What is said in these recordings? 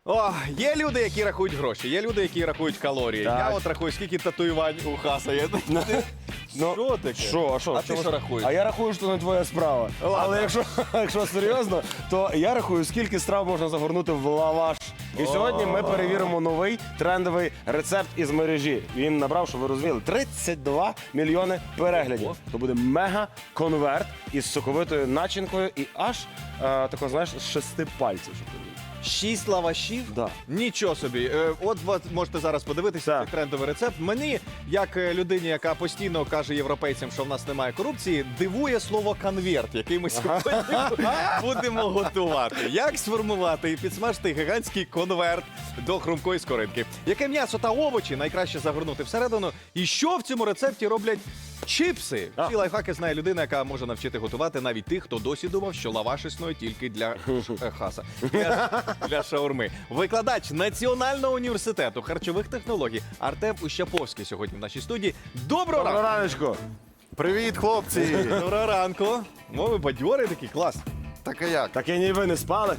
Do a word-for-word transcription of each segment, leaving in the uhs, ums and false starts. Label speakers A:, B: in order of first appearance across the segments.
A: О, є люди, які рахують гроші, є люди, які рахують калорії.
B: Так.
A: Я от рахую, скільки татуювань у Хаса є.
B: Ну,
A: Що таке?
B: Що, а що?
A: А ти що рахуєш?
B: А я рахую, що не твоя справа.
A: Ладно.
B: Але якщо, якщо серйозно, то я рахую, скільки страв можна загорнути в лаваш. І сьогодні ми перевіримо новий трендовий рецепт із мережі. Він набрав, що ви розуміли, тридцять два мільйони переглядів.
A: Ого.
B: То буде мега-конверт із соковитою начинкою і аж, е, тако, знаєш, з шести пальців. щоб ти розумів.
A: Шість лавашів?
B: Да.
A: Нічого собі. Е, От ви можете зараз подивитися
B: Так.
A: цей трендовий рецепт. Мені, як е, людині, яка постійно каже європейцям, що в нас немає корупції, дивує слово конверт, який ми сьогодні будемо готувати. Як сформувати і підсмажити гігантський конверт до хрумкої скоринки? Яке м'ясо та овочі найкраще загорнути всередину? І що в цьому рецепті роблять чіпси?
B: А.
A: Ці лайфхаки знає людина, яка може навчити готувати навіть тих, хто досі думав, що лаваш існує тільки для ш- е, хаса. Для, для шаурми. Викладач Національного університету харчових технологій Артем Ущаповський сьогодні в нашій студії. Доброго
B: Доброго
A: ранку!
B: раночку.
C: Привіт, хлопці!
A: Доброго ранку! О, ви бадьорий такий, клас.
C: Так а як?
B: Так і ні ви не спали.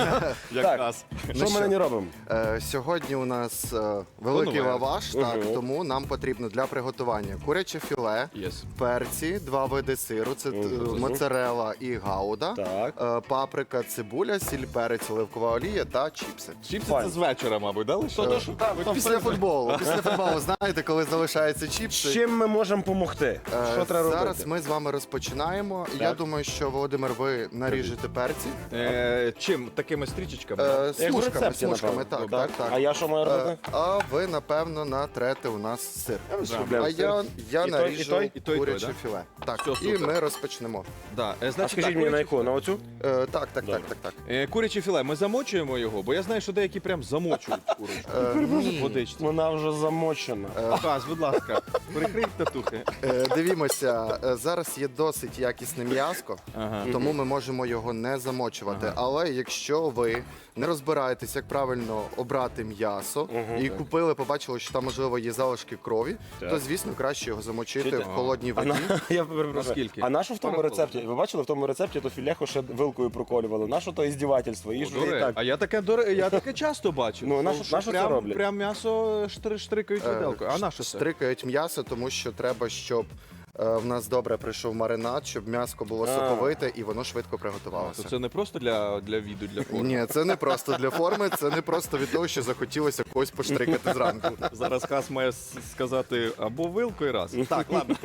A: Якраз.
B: Що ми
C: що?
B: нині робимо?
C: Е, сьогодні у нас е, великий
A: Конверт.
C: лаваш, так,
B: Мгм.
C: тому нам потрібно для приготування куряче філе,
A: Yes.
C: перці, два види сиру, це е,
B: Мгм.
C: моцарелла і гауда,
B: Так.
C: е, паприка, цибуля, сіль, перець, оливкова олія та чіпси.
A: Чіпси
B: Файн.
A: це з вечора, мабуть, да? лише?
C: Е, Після футболу. Після футболу, знаєте, коли залишаються
B: З
C: чіпси.
B: чим ми можемо допомогти?
C: Е,
B: Що треба
C: Зараз
B: робити?
C: ми з вами розпочинаємо. Я
B: Так.
C: думаю, що, Володимир, ви наріжете перці.
A: Е, чим? Такими стрічечками?
C: Е,
B: Як в
C: Смужками,
B: рецепті,
C: смужками,
B: напевно.
C: так, так, так.
B: А я що маю
C: Е,
B: робити?
C: А ви, напевно, натрете у нас сир.
B: без
A: да.
B: проблем.
C: А я, я
B: І той,
C: наріжу
B: і той?
A: І той, і той,
C: куряче
A: да?
C: філе. Так,
A: Все,
C: і
A: супер.
C: ми розпочнемо.
A: Да. Е,
B: А
A: значить,
B: скажіть
A: так,
B: мені на
A: куряче
B: яку? На оцю?
C: Е, так, так,
B: Добре.
C: так, так, так.
A: Е, Куряче філе, ми замочуємо його, бо я знаю, що деякі прям замочують курочку.
C: Е, ні.
A: Водичці.
B: Вона вже замочена.
A: Хас, будь ласка, прикрий татухи.
C: Е, Дивімося, е, зараз є досить якісне м'яско,
A: Ага.
C: тому ми можемо його не замочувати. Але якщо ви не розбираєтесь, як правильно обрати м'ясо, і купили, побачили, що там, можливо, є залишки крові,
B: Так.
C: то, звісно, краще його замочити
B: Чуєте?
C: в холодній
B: А
C: воді.
B: на, я перепрошую.
A: Наскільки?
B: А на що в тому
A: Пару
B: рецепті? Ви бачили, в тому рецепті то філеху ще вилкою проколювали. На що то іздівательство? І
A: О,
B: ж
A: до
B: ви і
A: речі,
B: так.
A: А я таке, до ре- я таке часто бачу.
B: Ну, на що-
A: Що
B: на що це
A: прям,
B: роблять?
A: Прям м'ясо штри- штрикають
C: Е,
A: виделкою. А на що це?
C: Стрикають м'ясо, тому що треба, щоб е, в нас добре прийшов маринад, щоб м'ясо було
B: А.
C: соковите і воно швидко
A: То
C: приготувалося.
A: це не просто для, для віду, для форми.
C: Ні, це не просто для форми, це не просто від того, що захотілося когось поштрикати зранку.
A: Зараз Хас має с- сказати або вилкою раз. Так, ладно.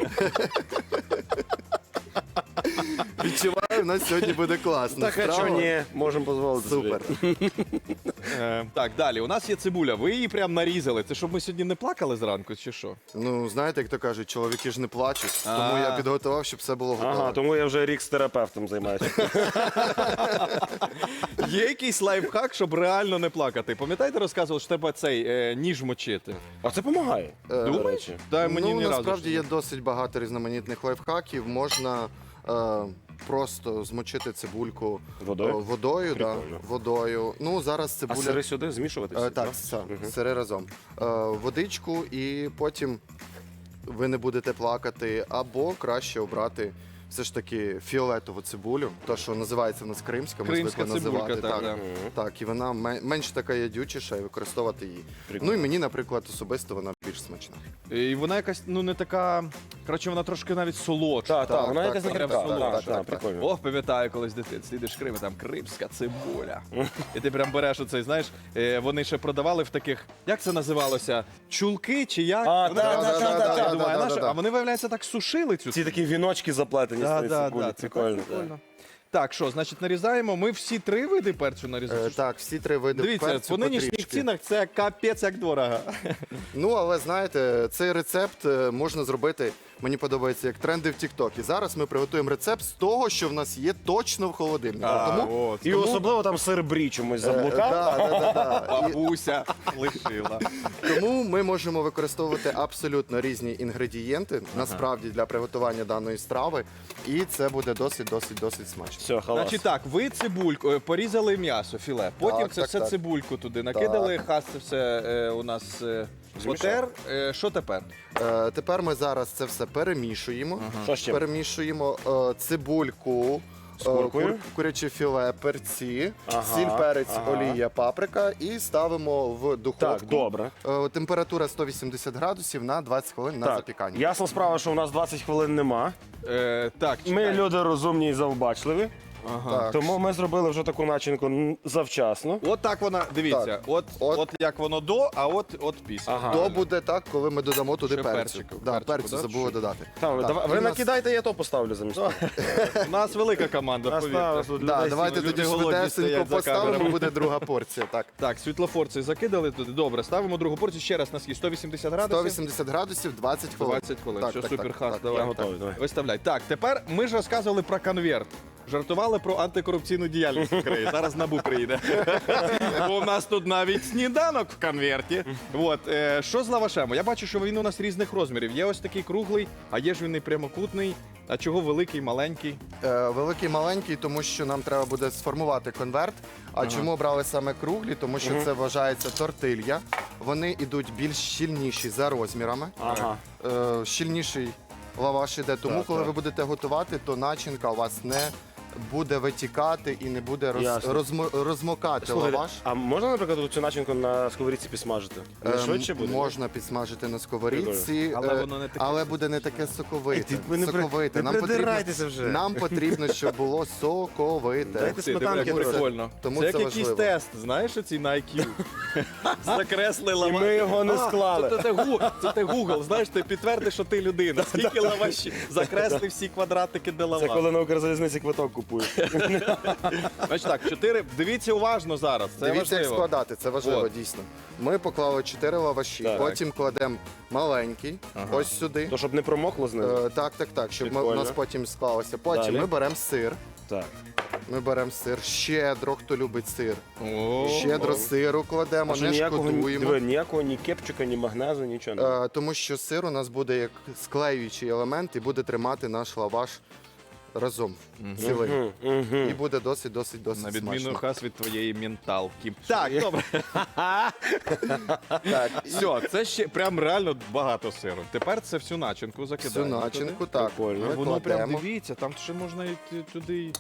C: Відчуваю, у нас сьогодні буде класно.
B: Так, а чого ні? Можемо дозволити собі.
C: Супер.
A: Е, так, далі. У нас є цибуля. Ви її прям нарізали. Це щоб ми сьогодні не плакали зранку, чи що?
C: Ну, знаєте, як то кажуть, чоловіки ж не плачуть, тому
A: А.
C: я підготував, щоб все було готово.
B: Ага, тому я вже рік з терапевтом займаюся.
A: Є якийсь лайфхак, щоб реально не плакати. Пам'ятаєте, розказував, що треба цей е, ніж мочити?
B: А це допомагає.
C: Е,
B: До речі.
A: Дай мені
C: ну,
A: ні разу.
C: насправді
A: ж
C: є
A: не-
C: досить багато різноманітних лайфхаків. Можна е, просто змочити цибульку
B: Водою?
C: е, водою, да,
B: Прикольно.
C: водою. Ну, зараз
B: А
C: цибуля.
B: сири сюди змішувати?
C: Е,
B: всі,
C: так,
B: да?
C: все,
B: Мгм.
C: сири разом. Е, водичку і потім ви не будете плакати, або краще обрати все ж таки фіолетову цибулю, то, що називається в нас кримська, ми
A: Кримська
C: звикли
A: цибулька,
C: називати.
A: так,
C: так,
A: да.
B: Мгм.
C: так, і вона ме- менш така ядючіша, і використовувати її.
B: Прикольно.
C: Ну і мені, наприклад, особисто вона більш смачна.
A: І вона якась, ну не така. Коротше, вона трошки навіть солодша.
B: Так, так,
C: Так,
B: вона
C: так,
B: якась
C: так,
B: не
A: так,
B: крепка.
A: так,
B: Так,
C: так,
B: так,
C: так.
B: прикольно.
A: Ох, пам'ятаю, колись дитинстві, їдеш в Крим, і там кримська цибуля. І ти прям береш оцей, знаєш, е, вони ще продавали в таких, як це називалося? Чулки чи як?
B: А,
A: Вони
B: да,
A: там-
B: да,
A: Я
B: да, да,
A: думаю,
C: да,
A: а
C: да,
A: нащо-
C: да, да.
A: А вони, виявляється, так сушили цю
B: Ці такі віночки заплетені з
A: Да,
B: цієї
A: да,
B: цибулі.
A: да, це
B: Прикольно.
A: прикольно. Так, що, значить, нарізаємо. Ми всі три види перцю нарізаємо.
C: Е, так, всі три види
A: Дивіться,
C: перцю
A: по нинішніх
C: потрішки.
A: цінах це капець як дорого.
C: Ну, але знаєте, цей рецепт е, можна зробити, мені подобається, як тренди в TikTok. І зараз ми приготуємо рецепт з того, що в нас є точно в холодильнику. Тому
A: от.
B: І особливо там сир брі чомусь
C: Е,
B: заблукав.
C: да, да, да, да. І
A: Бабуся лишила.
C: тому ми можемо використовувати абсолютно різні інгредієнти, насправді, для приготування даної страви. І це буде досить, досить, досить смачно.
B: Все, халас.
A: Значить так, ви цибульку, е, порізали м'ясо, філе, потім
C: Так,
A: це
C: так,
A: все
C: так.
A: цибульку туди накидали, Хас це все е, у нас е, потер. Е, Що тепер?
C: Е, тепер ми зараз це все перемішуємо.
B: Що з чим?
C: Перемішуємо е, цибульку,
B: З куркою.
C: кур- куряче філе, перці,
B: Ага,
C: сіль, перець,
B: ага.
C: олія, паприка і ставимо в духовку.
B: Так, добре.
C: Е, Температура сто вісімдесят градусів на двадцять хвилин на
B: Так,
C: запікання.
B: ясна справа, що у нас двадцять хвилин нема.
A: Е, так,
B: Ми
A: чекай.
B: люди розумні і завбачливі,
A: Ага.
C: Так.
B: тому ми зробили вже таку начинку м, завчасно.
A: От так вона, дивіться,
C: Так.
A: от,
C: От.
A: от як воно до, а от, от після.
B: Ага.
C: То буде так, коли ми додамо туди
A: Ще
C: перцю.
A: перчику,
C: Да,
A: перчику,
C: перцю
A: да?
C: забули
A: Що?
C: додати.
B: Там,
C: Так,
B: давай-
C: і
B: ви
C: в нас-
B: накидайте, я то поставлю замість. того.
A: У нас велика команда,
B: Нас
A: повірте.
B: там тут
C: Да,
B: людей
C: давайте
A: люди
C: тоді
A: голодні
C: швидесенько
A: стоять за
C: поставимо,
A: камерами.
C: буде друга порція. Так.
A: Так, світлофор цей закидали туди. Добре, ставимо другу порцію. Ще раз на скільки? сто вісімдесят градусів?
C: сто вісімдесят градусів, двадцять хвилин.
A: двадцять хвилин.
C: Так,
A: Що
C: так,
A: супер,
C: так,
A: хас,
C: так.
A: давай.
B: Я готовий, давай.
A: Виставляй. Так, тепер ми ж розказували про конверт. Жартували про антикорупційну діяльність в Україні. Зараз НАБУ приїде. Бо у нас тут навіть сніданок в конверті. От, е, що з лавашем? Я бачу, що він у нас різних розмірів. Є ось такий круглий, а є ж він і прямокутний. А чого великий, маленький?
C: Е, Великий, маленький, тому що нам треба буде сформувати конверт. А чому обрали саме круглі? Тому що це вважається тортилья. Вони йдуть більш щільніші за розмірами.
B: Ага.
C: Е, Щільніший лаваш іде. Тому,
A: Так,
C: коли
A: так.
C: ви будете готувати, то начинка у вас не буде витікати і не буде роз,
B: Ясно.
C: розмо- розмокати
B: Слухайте,
C: лаваш.
B: а можна, наприклад, цю начинку на сковорідці підсмажити? Не
C: Ем,
B: швидше буде?
C: Можна підсмажити на сковорідці,
A: Але
C: е,
A: воно не таке
C: але буде не таке соковите.
B: Ей, ти- ви не при-
C: соковите.
B: не
C: Нам потрібно,
B: придирайтеся вже.
C: нам потрібно, щоб було соковите.
B: Дайте
A: Ти,
B: сметанки
A: диви, як
B: трохи.
A: прикольно.
C: Тому
A: це
C: це
A: як якийсь
C: важливо.
A: тест, знаєш, оці на ай к'ю. Закресли
B: І
A: лаваш.
B: ми його не
A: А,
B: склали.
A: Це, це, Гу- це ти Google, знаєш, ти підтвердиш, що ти людина. Скільки лавашів? Закресли всі квадратики, де
B: Це
A: лаваш.
B: коли на Укрзалізниці квиток купуєш.
A: Значить так, чотири. Дивіться уважно зараз. Це
C: Дивіться, як
A: важливо.
C: складати, це важливо,
A: От.
C: дійсно. Ми поклали чотири лаваші,
B: Так.
C: потім кладемо маленький,
A: Ага.
C: ось сюди.
B: То щоб не промокло з ним.
C: Е, так, так, так, щоб ми, у
B: Прикольно.
C: нас потім склалося. Потім
B: Далі.
C: ми беремо сир.
B: Так.
C: Ми беремо сир щедро, хто любить сир.
A: О,
C: Щедро сиру кладемо,
B: А що
C: не
B: ніякого, ні-
C: шкодуємо.
B: диви, ніякого ні кепчика, ні магнезу, нічого. не.
C: Е, тому що сир у нас буде як склеюючий елемент і буде тримати наш лаваш разом цілий.
B: Мгм, мгм.
C: І буде досить, досить, досить
A: на відміну
C: смачно.
A: хас від твоєї менталки. Так, добре.
C: Так,
A: Все, це ще прям реально багато сиру. Тепер це всю начинку
C: всю
A: закидаємо.
C: начинку,
A: туди.
C: так.
B: Прикольно.
C: Ми
A: Воно прям
C: кладемо.
A: дивіться, там ще можна і т- туди і-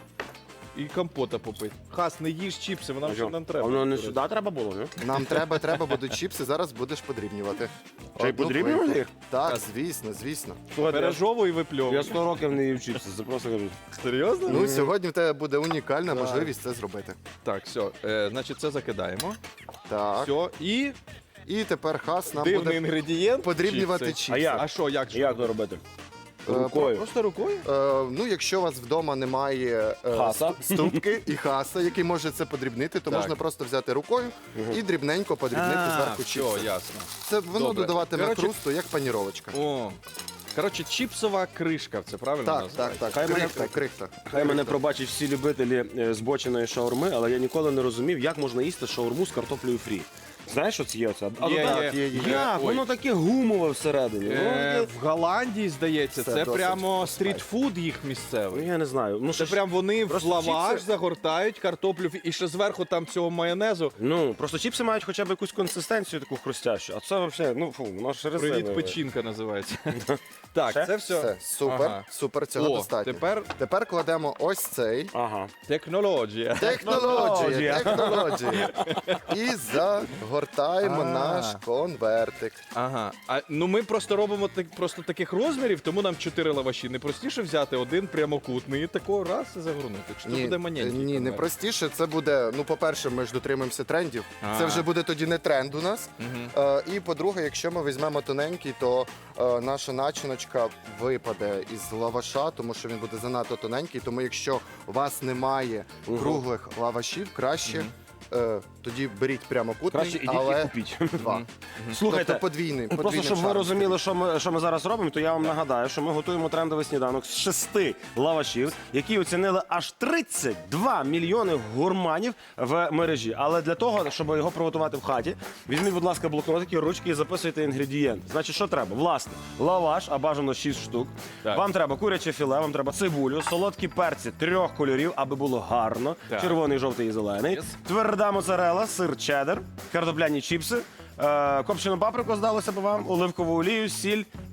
A: і компота попити. Хас, не їж чіпси, вона вже нам треба.
B: А воно не сюди треба було, не?
C: Нам треба, треба будуть чіпси, зараз будеш подрібнювати.
B: Чи й
C: Одну
B: подрібнювати
C: плитку.
B: їх?
C: Так, звісно, звісно.
B: Слухайте,
A: Пережовуй і
B: Я
A: випльовуй.
B: сто років не їв чіпси, це просто кажу.
A: Серйозно?
C: Ну, сьогодні в тебе буде унікальна можливість це зробити.
A: Так, все, е, значить це закидаємо.
C: Так.
A: Все, і
C: І тепер хас нам
A: дивний
C: буде
A: інгредієнт.
C: подрібнювати
A: чіпси.
C: чіпси.
B: А як?
A: А що, як же?
B: Як то робити?
C: Е,
B: Рукою.
A: Просто рукою?
C: Е, ну, якщо у вас вдома немає е,
B: Хаса.
C: ст- ступки і хаса, який може це подрібнити, то
A: Так.
C: можна просто взяти рукою і дрібненько подрібнити зверху чіпси.
A: все, ясно.
C: Це воно
A: Добре.
C: додаватиме
A: Коротше-
C: хрусту, як паніровочка.
A: О, коротше, чіпсова кришка, це правильно
C: Так, так,
A: називається?
C: так.
B: Хай мене-
C: Крихта, крихта.
B: Хай мене пробачать всі любителі е, збоченої шаурми, але я ніколи не розумів, як можна їсти шаурму з картоплею фрі. Знаєш, що це є оце? А
A: Є,
B: то
A: є,
B: так,
C: є, є.
B: Як?
A: Ой.
B: Воно таке гумове всередині.
A: Е,
B: Ну,
A: в Голландії, здається,
C: Це
A: це
C: досить
A: прямо стрітфуд їх
B: ну,
A: місцевий.
B: я не знаю. Ну,
A: Це
B: що ж-
A: прям вони в
B: просто
A: лаваш
B: чіпси-
A: загортають картоплю і ще зверху там цього майонезу.
B: Ну, просто чіпси мають хоча б якусь консистенцію таку хрустящу. А це взагалі, ну фу, воно ж резинове.
A: Привіт, печінка називається. Так,
B: Ще?
A: це все.
C: Все, супер,
A: Ага.
C: супер, цього
A: О,
C: достатньо.
A: тепер
C: Тепер кладемо ось цей.
B: Ага.
A: технологія.
C: Технологія, технологія. І загортаємо
A: А.
C: наш конвертик.
A: Ага. А ну ми просто робимо так, просто таких розмірів, тому нам чотири лаваші. Не простіше взяти один прямокутний і такого раз і загорнути. Чи це буде маленький?
C: ні, не
A: конверт?
C: простіше. Це буде, ну, по-перше, ми ж дотримуємося трендів.
A: А.
C: Це вже буде тоді не тренд у нас.
A: Мгм.
C: Е, і по-друге, якщо ми візьмемо тоненький, то е, наша начиночка випаде із лаваша, тому що він буде занадто тоненький. Тому якщо у вас немає круглих лавашів, краще е, тоді беріть прямокутний,
B: Краще ідіть
C: але
B: і купіть.
C: два.
B: Слухайте,
C: Тобто подвійний,
B: просто
C: подвійний
B: щоб ви
C: шанс.
B: розуміли, що ми, що ми зараз робимо, то я вам нагадаю, що ми готуємо трендовий сніданок з шести лавашів, які оцінили аж тридцять два мільйони гурманів в мережі. Але для того, щоб його приготувати в хаті, візьміть, будь ласка, блокнотики, ручки і записуйте інгредієнти. Значить, що треба? Власне, лаваш, а бажано шість штук.
A: Так.
B: Вам треба куряче філе, вам треба цибулю, солодкі перці трьох кольорів, аби було гарно.
A: Так.
B: Червоний, жовтий і зелений.
A: Yes.
B: Тверда моцарела, сир чеддер, картопляні чіпси, е, копчену паприку здалося б вам, оливкову олію, сіль,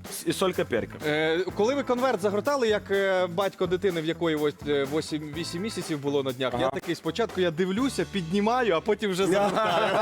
B: і солька перка.
A: Е, коли ви конверт загортали, як е, батько дитини, в якої ось е, вісім місяців було на днях,
B: Ага.
A: я такий спочатку я дивлюся, піднімаю, а потім вже загортаю.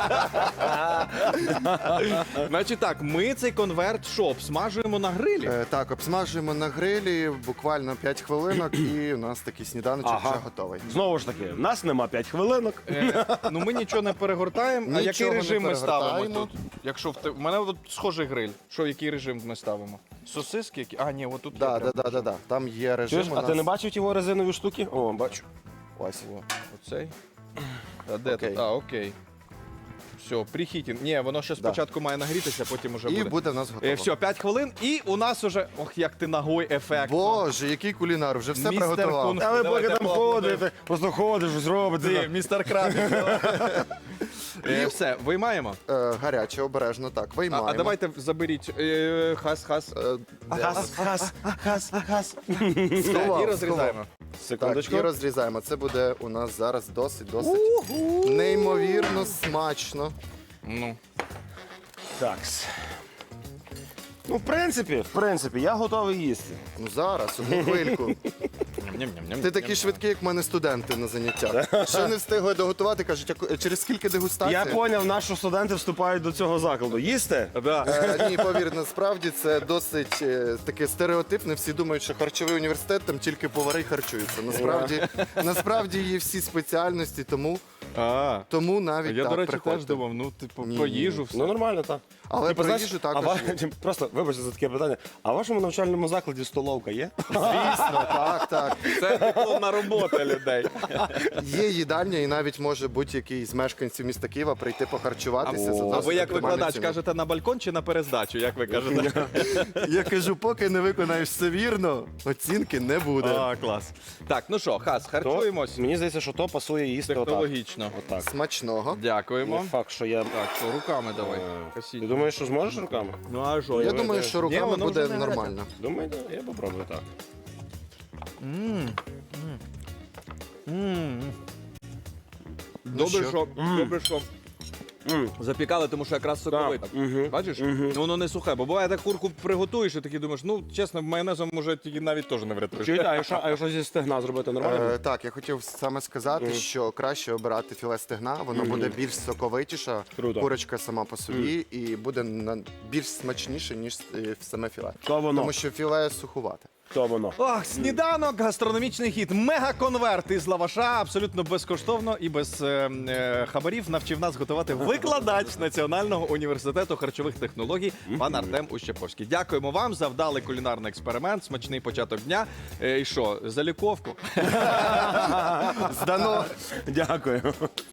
A: Значить так, ми цей конверт що, обсмажуємо на грилі?
C: Е, Так, обсмажуємо на грилі буквально п'ять хвилинок, і у нас такий сніданочок
B: Ага.
C: вже готовий.
B: Знову ж таки, в нас нема п'ять хвилинок.
A: Е, ну ми нічого не перегортаємо. А
C: Нічого
A: який
C: не
A: режим ми ставимо
C: перегортаємо.
A: тут? Якщо в те- в мене от схожий гриль. Що, який режим ми ставимо? Сосиски? Які? А, ні, отут.
C: Да,
A: є
C: да,
A: прям.
C: да, да, да. Там є режим.
B: Чуєш,
C: у
B: а
C: нас.
B: ти не бачив його резинові штуки? О, бачу.
C: Ось.
A: О, оцей. А де
C: Окей.
A: тут? А, окей. Все, прихітін. Ні, воно ще
C: Да.
A: спочатку має нагрітися, потім уже
C: І
A: буде.
C: буде в нас готово.
A: Е, все, п'ять хвилин, і у нас уже. Ох, як ти ногой ефект.
C: Боже, який кулінар, вже все
A: Містер
C: приготував.
A: Кунг.
B: А ви
A: Давайте
B: поки там
A: поаплодуємо.
B: ходите, просто ходиш, щось
A: Ти,
B: робите.
A: містер Краб. Е, Все, виймаємо.
C: Е, гаряче, обережно, так,
A: А,
C: виймаємо.
A: а давайте заберіть е, хас, хас.
C: Е, де?
B: Хас, хас, хас, хас.
A: Все,
C: сховав,
A: і розрізаємо.
C: Так,
B: Секундочку.
C: і розрізаємо. Це буде у нас зараз досить, досить неймовірно смачно.
A: Ну.
B: Такс. Ну, в принципі, в принципі, я готовий їсти.
C: Ну зараз, одну хвильку.
A: Ням-ням-ням.
C: Ти такий швидкий, як в мене студенти на заняттях. Ще не встигли доготувати, кажуть, «А через скільки дегустацій?
B: Я поняв, на що студенти вступають до цього закладу. Їсти?
A: Да.
C: Е, ні, повір, насправді це досить е, таке стереотипне. Всі думають, що харчовий університет там тільки повари харчуються. Насправді, насправді є всі спеціальності, тому,
A: А,
C: тому навіть
A: я,
C: так
A: до речі,
C: приходьте.
A: теж думав, ну, типу,
C: Ні,
A: про
C: ні.
A: їжу все.
B: Ну, нормально, так.
C: Але
B: Типу,
C: про
B: знаєш,
C: їжу
B: а
C: також.
B: ва-
C: є.
B: Просто, вибачте за таке питання. А в вашому навчальному закладі столовка є?
C: Звісно, так, так.
A: Це дипломна робота людей.
C: Є їдальня, і навіть може будь-який з мешканців міста Києва прийти похарчуватися. за
A: А
C: досить
A: ви як
C: оптимальну
A: викладач
C: ціну.
A: кажете на балкон чи на перездачу? Як ви кажете?
C: Я кажу, поки не виконаєш все вірно, оцінки не буде.
A: А, клас. Так, ну що, хас,
B: То,
A: харчуємось
B: мені здається, що то пасує їсти отак.
A: технологічно.
B: Отак.
C: Смачного.
A: Дякуємо.
B: Не факт, що я...
A: Так, що, руками давай.
B: Е,
A: Косіть.
B: Ти думаєш, що зможеш руками?
A: Ну а що?
C: Я думаю, що
A: Ні,
C: руками
A: воно
C: буде
A: вже не гаряче.
C: нормально.
B: Думаю, да, я попробую так.
A: М. М. Добре,
C: що?
A: що, добре, що
B: М.
A: запікали, тому що якраз соковита.
B: Мгм.
A: Бачиш?
B: Мгм.
A: Ну, воно не сухе, бо буває так курку приготуєш і такий думаєш, ну, чесно, майонезом може тільки навіть теж не врятуєш.
B: Чуєте, а якщо, а якщо зі стегна зробити нормально?
C: Е, так, я хотів саме сказати, що краще обирати філе стегна, воно буде більш соковитіше,
B: Круто.
C: курочка сама по собі, і буде на- більш смачніше, ніж е, саме філе.
B: То воно.
C: Тому що філе сухувате.
B: То воно.
A: Ох, сніданок, гастрономічний хід. Мега-конверт із лаваша, абсолютно безкоштовно і без е, е, хабарів навчив нас готувати викладач Національного університету харчових технологій пан Артем Ущеповський. Дякуємо вам за вдалий кулінарний експеримент, смачний початок дня. Е, і що, заліковку?
C: Здано!
B: Дякую.